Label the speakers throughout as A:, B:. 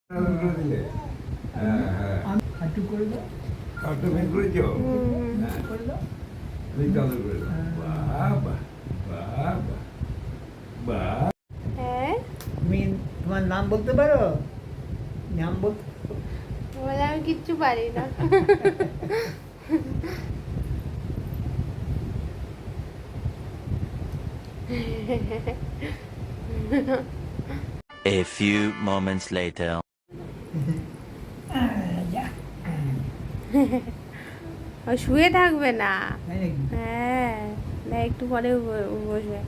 A: দিলে
B: একটু করে দাও,
A: কাঠটা বের করেছো
B: করে দাও।
A: তুমি চাদর করে দাও বাহ বাহ বাহ বাহ বাহ
C: হ্যাঁ
B: তুমি তোমার নাম বলতে পারো? নাম বলতে
C: বলে আমি কিচ্ছু পারি না।
D: A few moments later.
C: ও শুয়ে থাকবে না।
B: তাই নাকি?
C: হ্যাঁ না একটু পরে বসবে।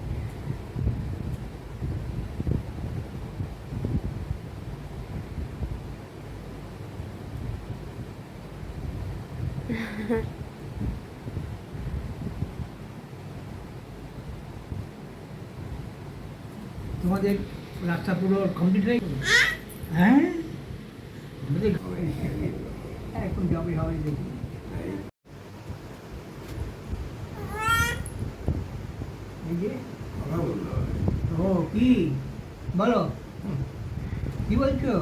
B: তোমাদের রাস্তা পুরো কমপ্লিট হয়ে গেল? হ্যাঁ আমাদের এখন যাবে হবে দেখি। এই যে
A: কথা বলতে হবে
B: ও কি বলো, কি বলছো,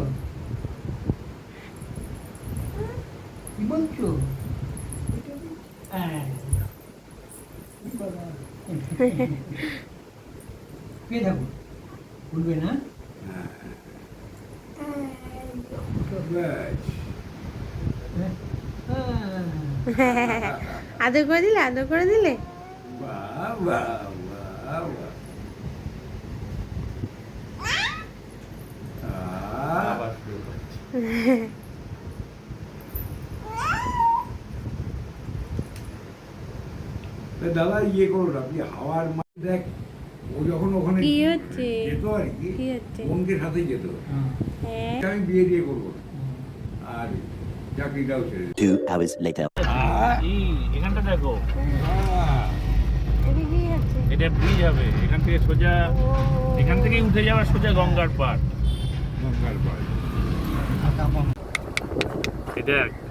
B: কি বলছো? হ্যাঁ কে থাকো বলবে না?
A: ব্যাস।
C: আদর করে দিলে, আদর করে দিলে।
A: বাহ বাহ বাহ বাহ দাদা ইয়ে করুন আপনি হাওয়ার দেখ ও যখন ওখানে
C: কি হচ্ছে?
A: যেত আর কি
C: কি হচ্ছে?
A: বোনকে সাথে যেত
C: হ্যাঁ
A: আমি বিয়ে দিয়ে করবো না। আর চাকরিটাও ছেড়ে দিই।
D: 2 hours later.
E: এখানটা দেখো,
C: এটা কি হচ্ছে?
E: এটা ব্রিজ হবে এখান থেকে সোজা,
C: ও,
E: এখান থেকেই উঠে যাওয়া সোজা গঙ্গার পাড়।
A: গঙ্গার পাড়ে।
E: এটা